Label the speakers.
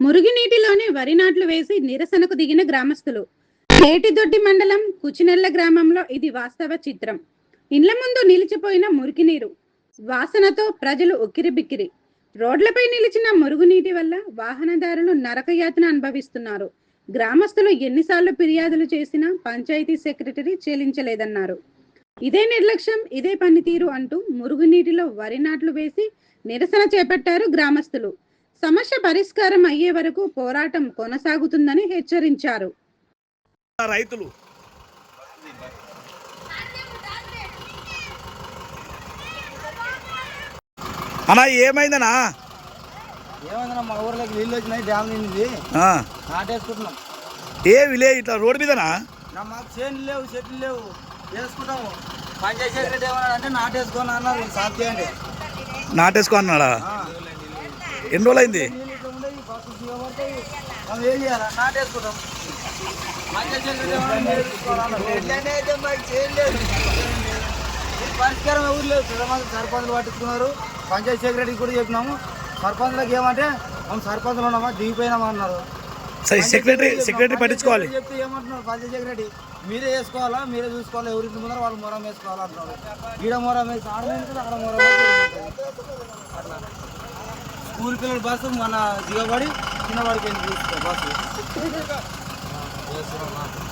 Speaker 1: మురుగునీటిలోనే వరి నాట్లు వేసి నిరసనకు దిగిన గ్రామస్తులు. ఏటిదొడ్డి మండలం కుచినెల్ల గ్రామంలో ఇది వాస్తవ చిత్రం. ఇండ్ల ముందు నిలిచిపోయిన మురికి నీరు వాసనతో ప్రజలు ఉక్కిరిబిక్కిరి. రోడ్లపై నిలిచిన మురుగునీటి వల్ల వాహనదారులు నరకయాతన అనుభవిస్తున్నారు. గ్రామస్తులు ఎన్నిసార్లు ఫిర్యాదులు చేసినా పంచాయతీ సెక్రటరీ చెల్లించలేదన్నారు. ఇదే నిర్లక్ష్యం, ఇదే పనితీరు అంటూ మురుగునీటిలో వరి నాట్లు వేసి నిరసన చేపట్టారు గ్రామస్తులు. సమస్య పరిష్కారం అయ్యే వరకు పోరాటం కొనసాగుతుందని హెచ్చరించారు.
Speaker 2: రైతులు అన్నా ఏమైందనా?
Speaker 3: ఏమైందన్నా, మా ఊర్లోకి నీళ్ళు వచ్చినాయి, డ్యామ్ నిండింది, నాటేసుకుంటున్నాం.
Speaker 2: ఏ విలేజ్ ఇట్లా రోడ్డు మీదనా?
Speaker 3: మాకు చేనులు లేవు, చెట్లు లేవు, వేసుకుంటాము. పంచాయతీ సెక్రటరీ ఏమన్నాడు అంటే నాటేసుకొని అన్నారు, సాఫ్ చేయండి.
Speaker 2: నాటేసుకో అన్నాడా? ఎన్ని రోజులు అయింది?
Speaker 3: మనం ఏం చేయాలా? నాటేసుకుంటాం. పంచాయతీ సెక్రటరీ పరిష్కారం ఎవరు లేదు. సర్పంచులు పట్టించుకున్నారు, పంచాయతీ సెక్రటరీకి కూడా చెప్పినాము. సర్పంచ్లకు ఏమంటే మనం సర్పంచ్లు ఉన్నామా, దిగిపోయినామా అన్నారు.
Speaker 2: సెక్రటరీ పట్టించుకోవాలి
Speaker 3: చెప్తే ఏమంటున్నారు పంచాయతీ సెక్రటరీ, మీరే వేసుకోవాలా, మీరే చూసుకోవాలి, ఎవరింటి ముందర వాళ్ళు మొరం వేసుకోవాలా అంటున్నారు. ఈడ మొరం వేసి ఆడ వేసి అక్కడ మొరం అట్లా స్కూల్ పిల్లల బస్సు మన దిగబడి చిన్నవాడికి బస్సు